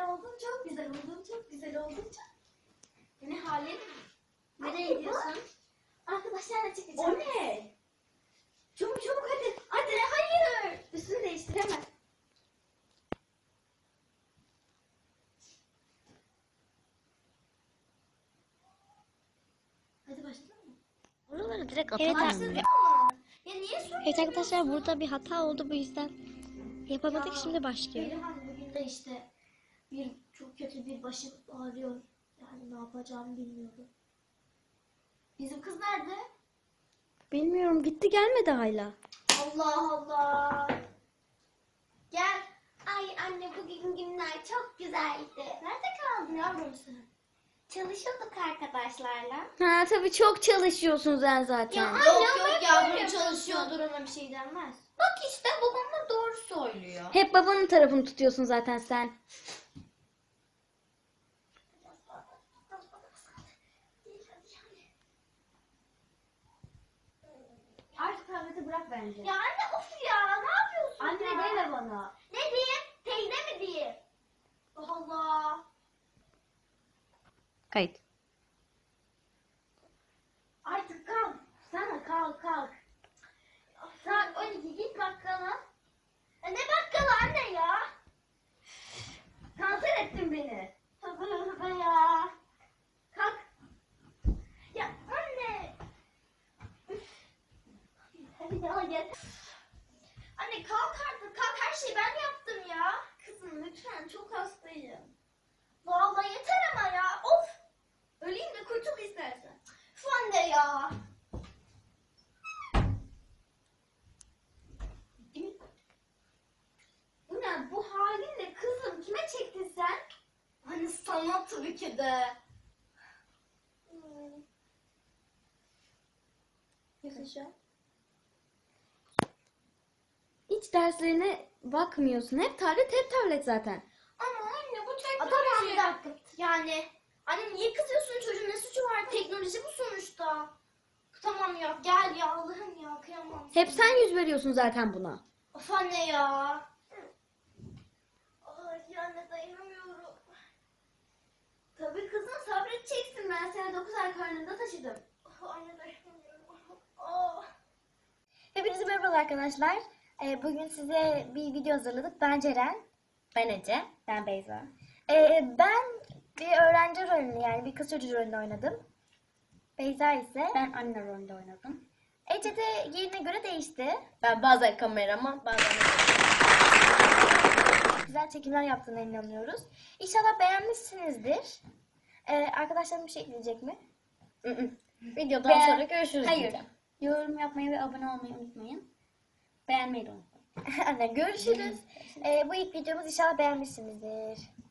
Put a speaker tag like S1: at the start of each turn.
S1: oldum, çok güzel oldum, çok güzel oldum. Ne halin? Nereye gidiyorsun? Arkadaşlarla çıkacağım. O ne? Çabuk çabuk hadi. Hadi hayır. Üstünü değiştir hemen. Hadi başlayalım mı?
S2: Oraları direkt
S3: Evet,
S2: atalım.
S1: Ya niye söylüyorsun?
S3: Evet arkadaşlar, burada bir hata oldu, bu yüzden yapamadık. Şimdi başlıyor.
S1: Berihan bugün de işte çok kötü bir başım ağrıyor. Yani ne yapacağımı bilmiyorum. Bizim kız nerede?
S3: Bilmiyorum, gitti gelmedi hala.
S1: Allah Allah. Gel. Ay anne bugün günler çok güzeldi. Nerede kaldın yavrum sen? Çalışıyorduk arkadaşlarla.
S3: Ha tabii, çok çalışıyorsunuz sen zaten.
S1: Yok yok yavrum çalışıyordur, ona bir şey denmez.
S2: Bak işte babam da doğru söylüyor.
S3: Hep babanın tarafını tutuyorsun zaten sen.
S1: Artık tableti bırak bence. Ya anne of ya, ne yapıyorsun
S2: Anne
S1: ya?
S2: deme bana.
S1: Ne diyeyim? Teyze mi diyeyim? Allah Allah.
S3: Kayıt.
S1: Artık kalk. Sana kalk. Saat 12 git bakkala. Ne bakkalı anne ya? Kanser ettin beni. Tövbe ya. Kalk. Ya anne. Üf. Hadi ya gel. Anne kalk artık, kalk, her şeyi ben yaptım ya. Kızım lütfen, çok hastayım. Vallahi yeter ama ya, of. Öleyim de kurtul istersen. Üf anne ya. Bu ne, bu halinle kızım, kime çektin sen? Hani sana tabii ki de. Yaşa.
S3: Hiç derslerine bakmıyorsun. Hep tablet zaten.
S1: Ama anne bu teknoloji. Tamam bir dakika. Yani anne niye kızıyorsun, çocuğun ne suçu var? Teknoloji bu sonuçta. Tamam ya, gel ya, Allah'ım ya, kıyamam.
S3: Hep sen yüz veriyorsun zaten buna.
S1: Of anne ya. Ay anne dayanamıyorum. Tabii kızım, sabredeceksin. Ben seni 9 ay karnında taşıdım. Oh, anne dayanamıyorum. Oh.
S2: Hepinize merhaba arkadaşlar. Bugün size bir video hazırladık. Ben Ceren. Ben Ece. Ben Beyza. Ben bir öğrenci rolünü, yani bir kız çocuğu rolünü oynadım. Beyza ise
S3: Ben anne rolünde oynadım.
S2: Ece de yerine göre değişti. Ben bazen kameraman, bazen güzel çekimler yaptığına inanıyoruz. İnşallah beğenmişsinizdir. Arkadaşlarım bir şey ekleyecek mi? Videodan sonra görüşürüz
S3: Hayır.
S2: diyeceğim.
S3: Yorum yapmayı ve abone olmayı unutmayın. Beğenmeyi de unutmayın.
S2: Anne görüşürüz. Bu ilk videomuz, inşallah beğenmişsinizdir.